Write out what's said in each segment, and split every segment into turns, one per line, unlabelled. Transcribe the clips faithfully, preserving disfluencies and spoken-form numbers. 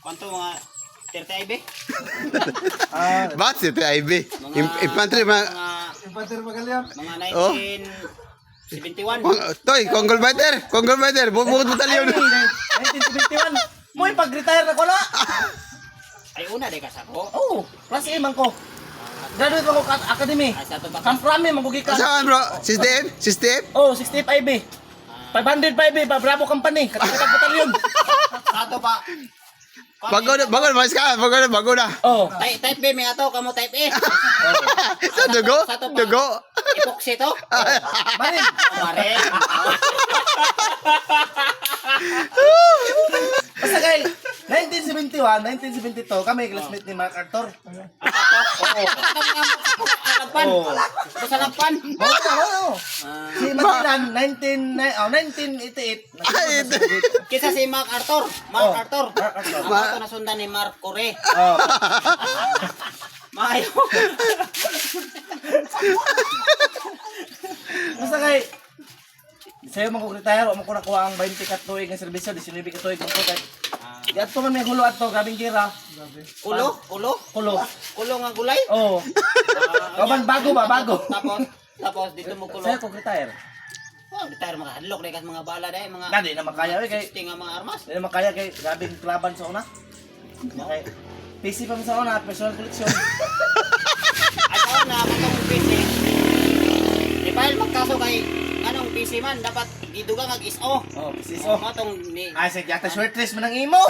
Kanto mga thirty I B.
Ah,
Bakit si T I B?
Mga
Infantry, mga...
mga
Infantry Magalyang.
mga
Oh.
nineteen seventy-one.
Toy, Conggol Fighter! Conggol Fighter! Bukod batalyon!
nineteen seventy-one. Mo pag-retire na ko na.
Ay una day ka sa ko.
Oh, class A man ko. Graduate ako ka academy.
Ay sa to ba?
Kamprami man ko gikan.
Saan bro? System? System?
Oh, sixty-five B. five hundred five B, Bravo Company. Katapos batalyon.
Sa to pa.
Bago na, bago na, mas ka, bago na, bago na.
Oh.
Type, type B may ato kamo type A.
Sa dugo?
Sa to pa.
Dugo?
Epoxy to.
Manin.
Mare.
Basta kay nineteen seventy-one, nineteen seventy-two, kami classmate ni Mark Arthur.
Oo. Alapan.
Oh.
Sa lapan.
Oo, oo. Si Matilan, nineteen, oh, nineteen eighty-eight.
Ay, ito.
Kisa si Mark Arthur. Mark
Oh,
Arthur.
Mark Arthur.
Ako ito nasundan ni Mark Core.
Oh.
Maayo.
Basta kay sa'yo man ko retire, o man ko nakuha ang twenty ka tuig ng serbisyo, nineteen ka tuig ng ko kay di ato man may hulo ato, grabing gira.
Kulo, kulo.
Kulo.
Kulo nga gulay.
Oh. Kaman bago ba, bago.
Tapos tapos dito mo kulo.
Sa'yo ko retire.
Oh, retire mga hadlok dai kas mga bala dai mga.
Dali na makaya eh, kay
sixty nga mga armas.
di na makaya kay grabing klaban sa una. Kay P C pa man sa una, personal collection.
Ato na katong P C. Di pa magkaso kay anong P C man dapat giduga nga is O.
Oh, P C
So,
so.
matong ni
Ay, sige, yata short dress man ang imo.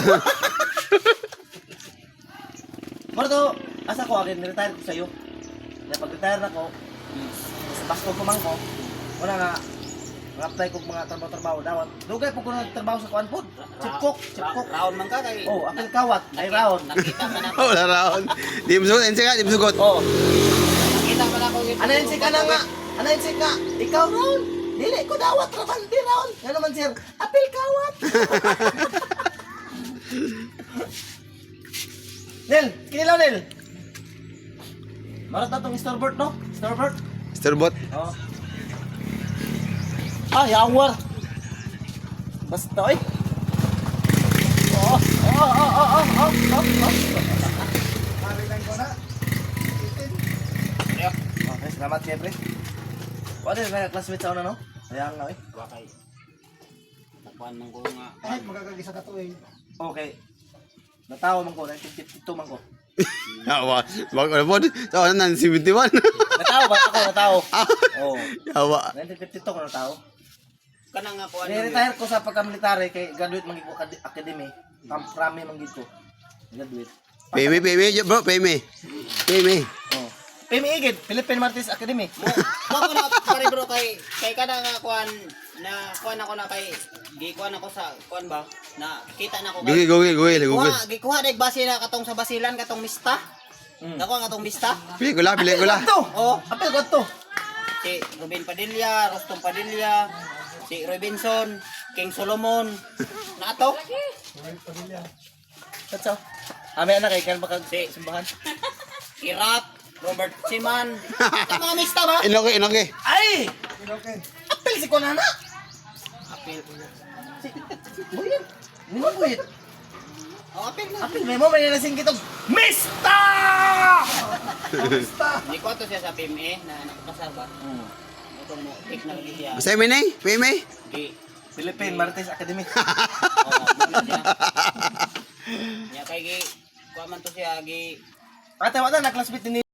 Marto, asa ko agad retire ko sa'yo. Na pag-retire na ko, sa Pasko ko man ko, wala nga, mag-apply ko mga trabaho-trabaho dawan. Dugay po ko nagtrabaho sa kuan po. Chipcook, chipcook.
Round man ka kay.
Oh, apil kawat, ay round.
Nakita man ako.
Wala raon. Di mo sugot, ensi ka, di mo sugot.
Oh,
Nakita man ako.
ano yun si ka na nga? Ano yun si ka? Ikaw round. Dili ko dawat raman, di round. Ano naman sir? Apil kawat. Nel, kinilaw Nel. Marat na tong starboard no? Starboard?
Storbot.
Oh. Ah, yawar. Basta eh. Oh, oh, oh, oh, oh, oh, oh, oh. Marilang ko na. Okay, salamat siyempre. Wala na classmate sa una no? Ayan nga eh.
Wa kay. Tapuan man ko nga.
Kahit magkakagisa ka to eh. Okay. Natawa man ko, nineteen fifty-two man ko.
Yawa. Bago na po. Sa ano na, seventy-one.
Natawa ba? Ako natawa. Oh.
Yawa.
nineteen fifty-two ko natawa.
Kana nga ko ano.
Ni-retire ko sa pagka-military kay graduate man ko academy. Kamprami man gid ko. Graduate.
Pay me, pay me, bro, pay me. Pay me.
Oh. P M I gid, Philippine Martis Academy.
Wa ko na pare bro kay kay kada nga kuan na kuan ako na kay gi kuan ako sa kuan ba na kita na ko
Google,
kay.
google, google, google.
Kuha, gikuha dai base na katong sa basilan katong mista.
Mm.
Nakuha nga katong mista.
Pili ko la, pili ko la.
To.
Oh,
Apil ko to.
si Ruben Padilla, Rostom Padilla, si Robinson, King Solomon. Na ato?
Tatsaw. Ame anak kay kan baka
Si
simbahan.
Kirap, Robert Siman. Ito mga mista ba?
Inoke, inoke.
Ay! Okay. Apil si Konana.
Apil.
Buyit. Ni mo buyit.
Oh, apil na.
Apil may mo may nalasing kitog. Mista! Mista.
Hindi ko ato siya sa P M A na nakapasar ba?
Hmm.
Ito mo, pick na lagi siya.
Basta me nay, pay me.
Di.
Philippine Martis Academy.
Oh, ano siya. Nya kay gi kuha man to siya gi
Ate wala na classmate ni